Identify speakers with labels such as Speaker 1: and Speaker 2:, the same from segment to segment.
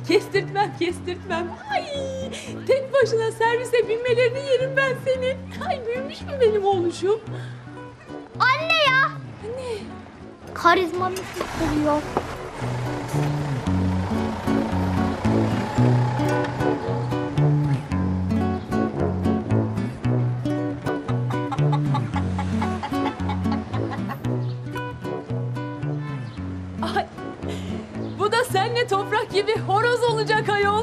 Speaker 1: Kestirtmem. Ay, tek başına servise binmelerini yerim ben senin. Ay, büyümüş mü benim oğluşum?
Speaker 2: Anne ya.
Speaker 1: Anne.
Speaker 2: Karizmamı tutturuyor.
Speaker 1: Ay, bu da seninle toprak gibi horoz olacak ayol.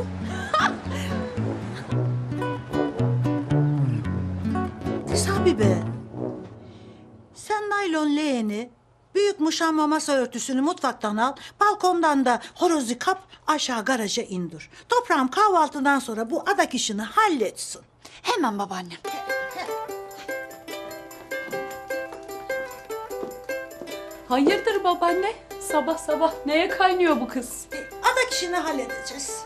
Speaker 3: Sabi be. Sen naylon leğeni, büyük muşamba masa örtüsünü mutfaktan al, balkondan da horozu kap, aşağı garaja indir. Toprağım kahvaltıdan sonra bu adak işini halletsin.
Speaker 4: Hemen babaannem.
Speaker 1: Hayırdır babaanne? Sabah sabah neye kaynıyor bu kız?
Speaker 3: Adak işini halledeceğiz.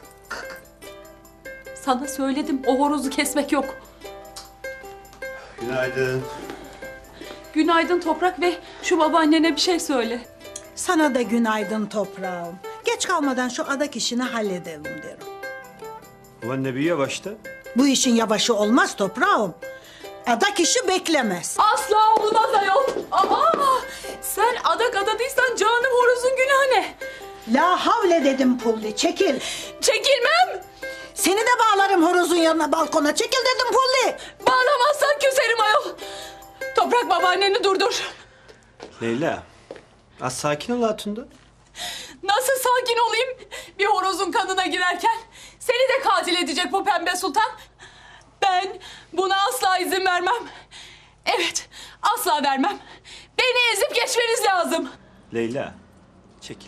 Speaker 1: Sana söyledim, o horozu kesmek yok.
Speaker 5: Günaydın.
Speaker 1: Günaydın Toprak ve şu babaannene bir şey söyle.
Speaker 3: Sana da günaydın toprağım. Geç kalmadan şu adak işini halledelim derim.
Speaker 5: Ulan ne büyüyor başta?
Speaker 3: Bu işin yavaşı olmaz toprağım. Adak işi beklemez.
Speaker 1: Asla olmaz ayol. Aa, sen adak adadıysan canım horozun günahı ne?
Speaker 3: La havle dedim Pulli, çekil.
Speaker 1: Çekilmem.
Speaker 3: Seni de bağlarım horozun yanına balkona. Çekil dedim Pulli.
Speaker 1: Bağlamazsan küserim ayol. Toprak babaanneni durdur.
Speaker 5: Leyla, az sakin ol Hatun'da.
Speaker 1: Nasıl sakin olayım bir horozun kanına girerken? Seni de katil edecek bu pembe sultan. Ben buna asla izin vermem. Evet, asla vermem. Beni ezip geçmeniz lazım.
Speaker 5: Leyla, çekil.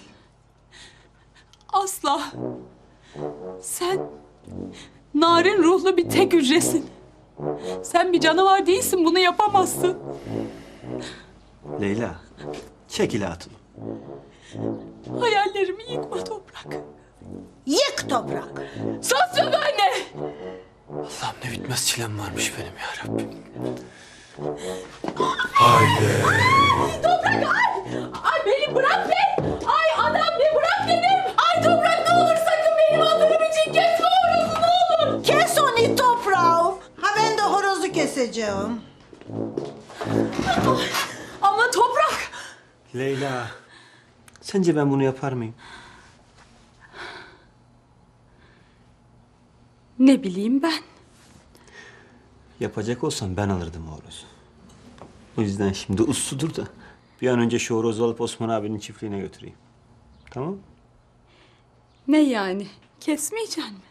Speaker 1: Asla. Sen narin ruhlu bir tek hücresin. Sen bir canavar değilsin, bunu yapamazsın.
Speaker 5: Leyla, çekil Hatun.
Speaker 1: Hayallerimi yıkma Toprak.
Speaker 3: Yık toprak.
Speaker 1: Sus babaanne!
Speaker 5: Allah'ım ne bitmez çilem varmış benim ya Rabbim.
Speaker 1: Toprak ay! Ay beni bırak be! Ay adam be bırak dedim! Ay Toprak ne olur sakın benim adımım için kesme horozu ne olur!
Speaker 3: Kes onu toprağım. Ha ben de horozu keseceğim.
Speaker 1: Ama Toprak!
Speaker 5: Leyla, sence ben bunu yapar mıyım?
Speaker 1: Ne bileyim ben.
Speaker 5: Yapacak olsam ben alırdım o horozu. O yüzden şimdi usludur da bir an önce şu horozu alıp Osman abinin çiftliğine götüreyim. Tamam?
Speaker 1: Ne yani? Kesmeyeceksin mi?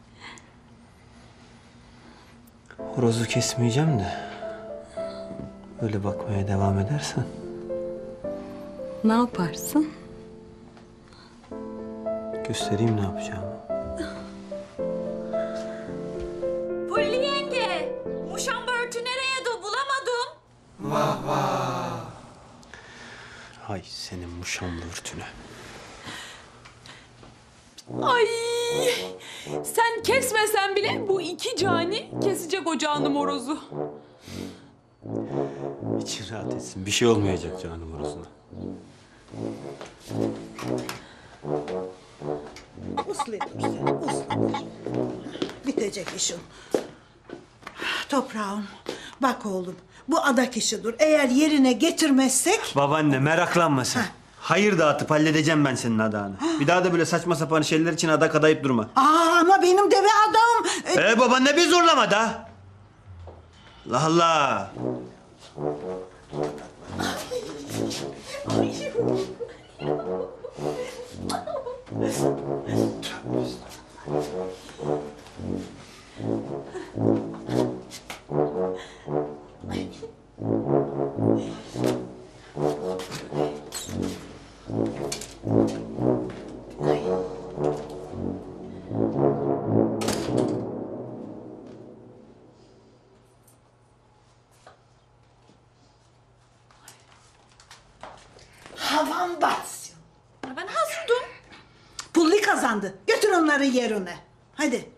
Speaker 5: Horozu kesmeyeceğim de öyle bakmaya devam edersen
Speaker 1: Ne yaparsın?
Speaker 5: göstereyim ne yapacağımı.
Speaker 6: Pulli yenge, muşamba örtü nereye bulamadım.
Speaker 5: Hay senin muşamlı örtüne.
Speaker 1: Ay! Sen kesmesen bile bu iki cani kesecek o canım horozu.
Speaker 5: İçin rahat etsin. Bir şey olmayacak canım horozuna.
Speaker 3: Usludur sen, usludur. Bitecek işin. Toprağım, bak oğlum, bu adak işidir. Eğer yerine getirmezsek...
Speaker 5: Babaanne meraklanma sen. Hayır dağıtıp halledeceğim ben senin adağını. Bir daha da böyle saçma sapan şeyler için adak adayıp durma.
Speaker 3: Ama benim deve adam...
Speaker 5: Babaanne bir zorlama da. Allah Allah.
Speaker 3: Havan batsın.
Speaker 6: Ben hazırdım.
Speaker 3: Pulli kazandı. Götür onları yerine. Hadi.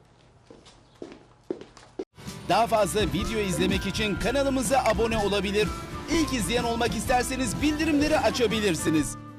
Speaker 7: Daha fazla video izlemek için kanalımıza abone olabilir. İlk izleyen olmak isterseniz bildirimleri açabilirsiniz.